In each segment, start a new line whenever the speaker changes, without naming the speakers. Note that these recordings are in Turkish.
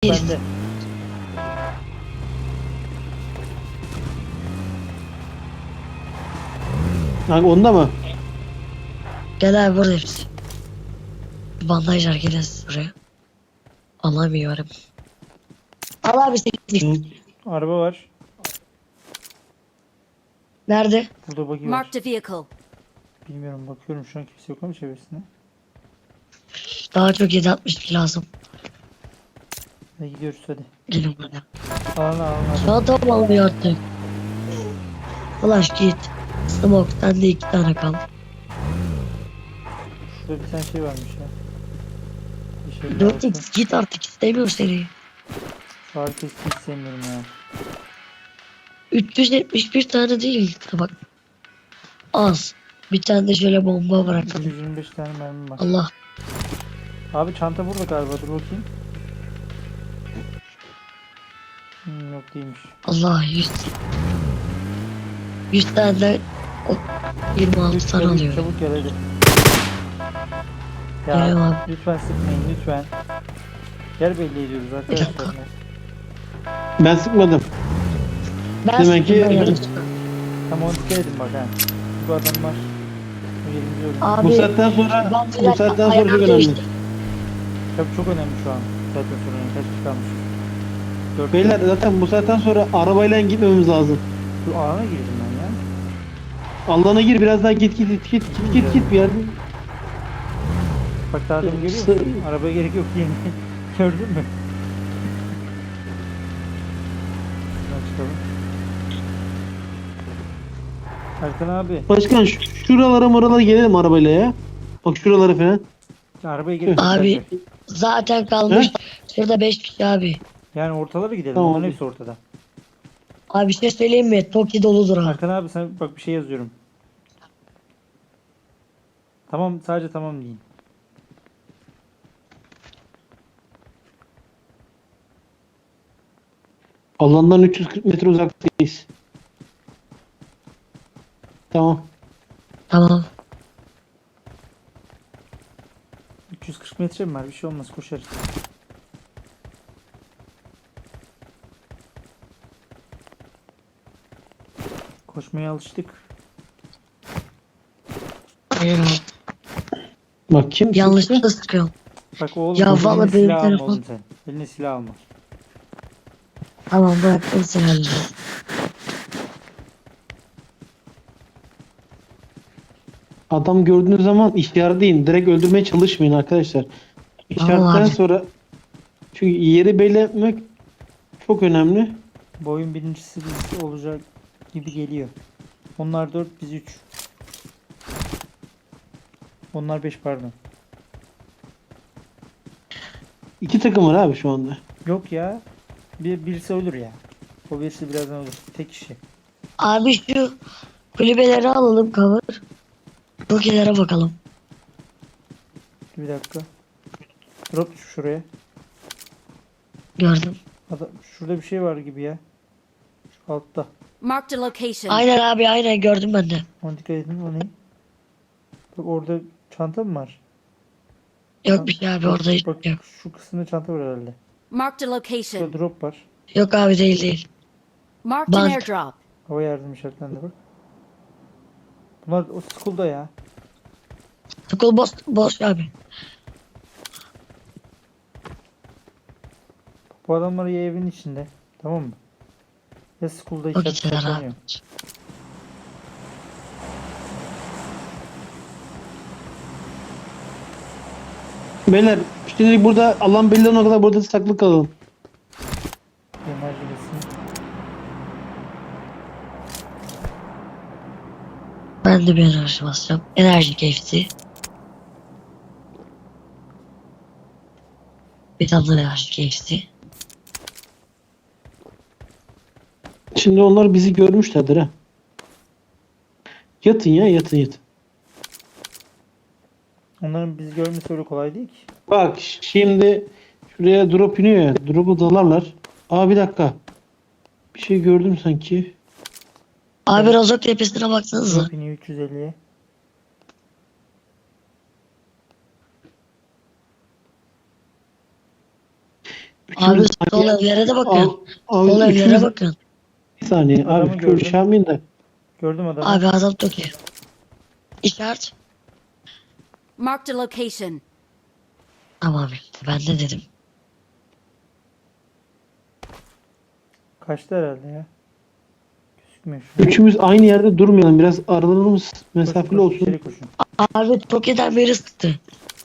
bende.
Hangi onda mı?
Gel abi burada hepsi. Bandajlar gelin buraya. Alamıyorum. Al abi 8.
Hı.
Araba var.
Nerede?
Burada buggy var.
Marked a vehicle.
Bilmiyorum, bakıyorum şu an kimse yok ama çevresinde.
Daha çok 7.62 lazım.
Hadi gidiyoruz hadi.
Gelin buraya.
Alana.
Çantam almıyor artık. Flash git. Smoke sende 2 tane kaldı.
Şurada bir tane şey varmış ya. Bir şey lazım.
4x git artık istemiyorum seni.
Şu arkası hiç sevmiyorum ya.
371 tane değil. Bak. Az. Bir tane de şöyle bomba bırakalım.
125 tane mermi var.
Allah.
Abi çanta burada galiba, dur bakayım. Yok değilmiş.
Allah 100 tane de 26 tane
Çabuk,
alıyorum.
çabuk gel hadi.
Geliyorum
Ya
abi.
lütfen sıkmayın lütfen. Yer belli ediyoruz
dakika.
arkadaşlar.
Ben sıkmadım.
Ben
Demek ki-
sıkıntı yok.
Tamam, onu dikkat edin bak ha. Bu adam var. O yerimizi öldü.
Abi,
Bu saatten sonra
ben
bu saatten sonra
ayağım
çok önemli.
değişti.
Tabii çok önemli şu an. Zaten sonra kaç kişi kalmış. 4
Beyler zaten bu saatten sonra arabayla gitmemiz lazım.
Şu alana girdim ben ya.
Alana gir biraz daha git bir yerde.
Bak daha demin görüyor musun? Arabaya gerek yok diye. Gördün mü? Şuradan çıkalım. Erkan abi.
Başkan şuralara gelelim arabayla ya. Bak şuralara falan.
Arabaya gerek yok.
Abi
zaten.
zaten kalmış. Şurada 5 kişi abi.
Yani ortalara gidelim.
Tamam.
Onların hepsi ortada.
Abi bir şey söyleyeyim mi? Toki doludur ha.
Erkan abi sen bak bir şey yazıyorum. Tamam, sadece tamam deyin.
Alandan 340 metre uzaktayız. Tamam.
Tamam.
340 metre mi var? Bir şey olmaz, koşarız. Koşmaya alıştık.
Aynen abi.
Bak kim?
Yanlışlıkla sıkıyorum.
Bak oğlum,
Ya
eline
vallahi benim
silah alma
telefon-
oğlum sen. Eline silah alma.
Tamam bıraktım seni.
Adam gördüğünüz zaman işaretleyin. Direkt öldürmeye çalışmayın arkadaşlar. İşaretten
abi.
sonra çünkü yeri belli etmek çok önemli.
Bu oyun birincisi biz olacak gibi geliyor. Onlar 4, biz 3. Onlar 5 pardon.
2 takım var abi şu anda.
Yok ya. Birisi ölür ya. O birisi birazdan ölür. Tek kişi.
Abi şu kulübeleri alalım cover. Tokilere bakalım.
Bir dakika. Drop düş şuraya.
Gördüm.
Şurada bir şey var gibi ya. Şu altta.
Marked a location.
Aynen abi aynen gördüm ben de.
Ona dikkat edin, o ne? Bak orada çanta mı var?
Yok bir şey abi orada hiç
Bak
yok.
şu kısımda çanta var herhalde.
Marked a
Şurada
location.
drop var.
Yok abi değil.
Marked an
Bank.
airdrop.
Hava yardım işaretlendi bak. Bunlar o school'da ya.
School boş abi.
Bu adamlar ya evin içinde. Tamam mı? Ya school'da
Çok
içeride
içeride
saklanıyor.
abi.
Beyler şimdilik burada alan belli olana kadar burada saklı kalalım.
Enerji besin.
Ben de bir enerji basacağım. Enerji keyfisi. Bir tane de enerji keyfisi.
Şimdi onlar bizi görmüşlerdir ha. Yatın ya yatın.
Onların bizi görmesi öyle kolay değil ki.
Bak şimdi şuraya drop iniyor ya. Drop'u dalarlar. Aa bir dakika. Bir şey gördüm sanki.
Abi Rozok tepesine baksanıza.
Drop iniyor 350'ye.
Abi
Üçümüz
sol
aynı-
evlere de bakın.
Al- al,
Sol evlere
üçümüz-
bakın.
Bir saniye
Adamı
abi
gördüm.
görüşemeyin de.
Gördüm adamı.
Abi adam çok iyi. İşaret.
Marked a location.
Tamam ben de dedim.
Kaçtı herhalde ya. Gözükmüyor şu an.
Üçümüz aynı yerde durmayalım. Biraz aralarımız
Koşun,
mesafeli
koşun,
olsun.
içeri koşun.
Abi Tokyo'dan beri sıktı.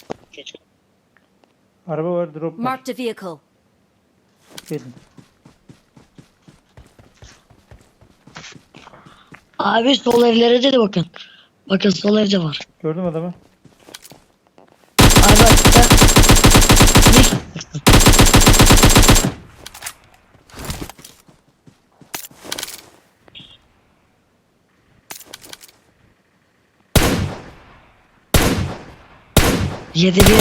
Araba var, drop var.
Marked a vehicle.
Gelin.
Abi sol evlere de bakın. Bakın sol evde var.
Gördüm adamı.
Abi açıkta. Yedi bir.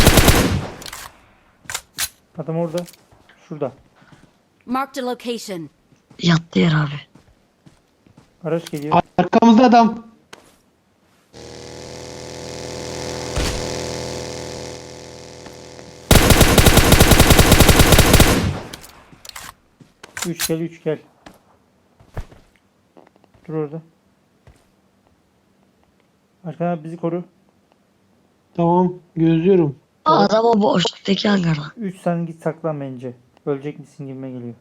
Adam orada. Şurada.
Marked a location.
Yattı yer abi.
Araç geliyor.
Arkamızda adam.
Üç gel, 3 gel. Dur orada. Arkan abi bizi koru.
Tamam gözlüyorum.
Adam o boşluktaki hangarda.
3 sen git saklan bence. Ölecek misin gibime geliyor.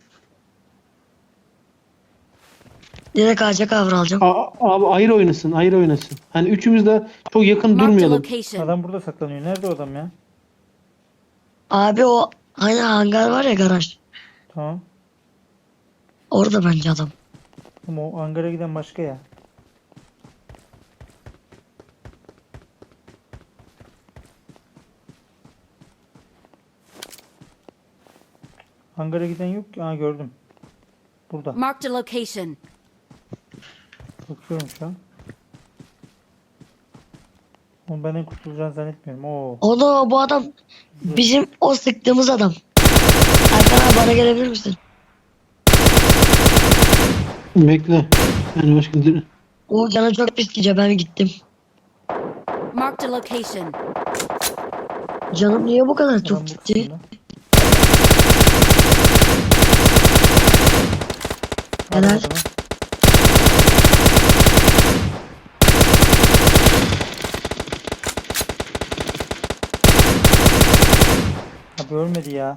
Direkt ağaca kavralacağım.
Abi ayrı oynasın, ayrı oynasın. Hani üçümüz de çok yakın
Marked a
durmayalım.
location.
Adam burada saklanıyor. Nerede o adam ya?
Abi o hani hangar var ya garaj.
Tamam.
Orada bence adam.
Ama o Ankara'ya giden başka ya. Ankara'ya giden yok ki. Aa gördüm. Burada.
Marked a location.
Bakıyorum şu an. Onu benden kurtulacağını zannetmiyorum. Oo.
Onu bu adam bizim o sıktığımız adam. Erkan abi bana gelebilir misin?
Bekle. Yani başka
O canı çok pis gidiyor ben gittim.
Marked a location.
Canım niye bu kadar çok
Adam bu
gitti?
kısımda.
Helal.
Al adamı. Abi ölmedi ya.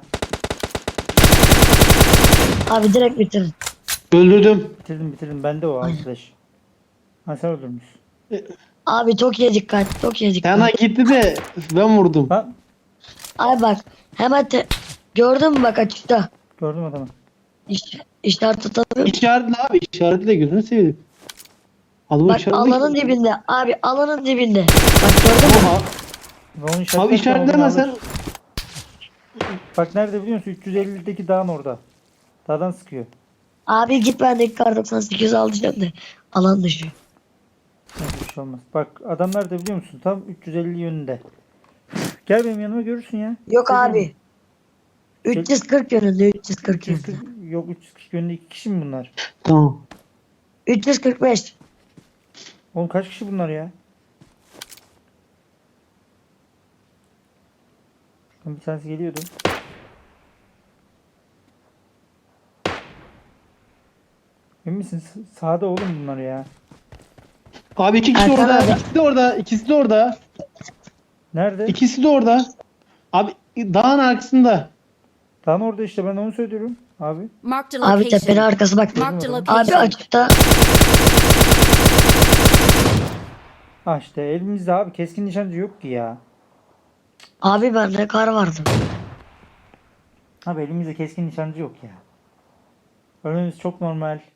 Abi direkt bitirin.
öldürdüm.
Bitirdim. Bende o arkadaş. Ha sen öldürmüşsün.
Abi Tokyo'ya dikkat. Tokyo'ya dikkat.
Yana gitti de ben vurdum.
Ha
Abi bak hemen gördün mü bak açıkta.
gördüm adamı.
İşaret tutamıyor.
İşaretle abi, işaretle gözünü seveyim. Adamı
Bak
işaretle.
alanın dibinde. Abi alanın dibinde. Bak gördün mü?
Aha.
Ve onu
Abi
işaretlerken
işaretlemesen.
onu alır. Bak nerede biliyor musun? 350'deki dağın orada. Dağdan sıkıyor.
Abi git bendeki kar 98 alacağım de. Alan dışı.
Neyse bir şey olmaz. Bak adam nerede biliyor musun? Tam 350 yönünde. Gel benim yanıma görürsün ya.
Yok
Gel
abi. 340 yönünde 340
benim-
yönünde.
340 yok 340 yönünde 2 kişi mi bunlar?
Tamam.
345.
Oğlum kaç kişi bunlar ya? Bir tanesi geliyordu. Emin misin? Sağda oğlum bunlar ya.
Abi iki kişi
Erkan
orada.
abi.
İkisi de orada. İkisi de orada.
Nerede?
İkisi de orada. Abi dağın arkasında.
Tam orada işte ben onu söylüyorum. Abi.
Marked a
Abi tepenin
location.
arkası bak.
Marked a
Abi
location.
açıkta.
Ha işte elimizde abi keskin nişancı yok ki ya.
Abi bende kar vardı.
Abi elimizde keskin nişancı yok ya. Ölmemiz çok normal.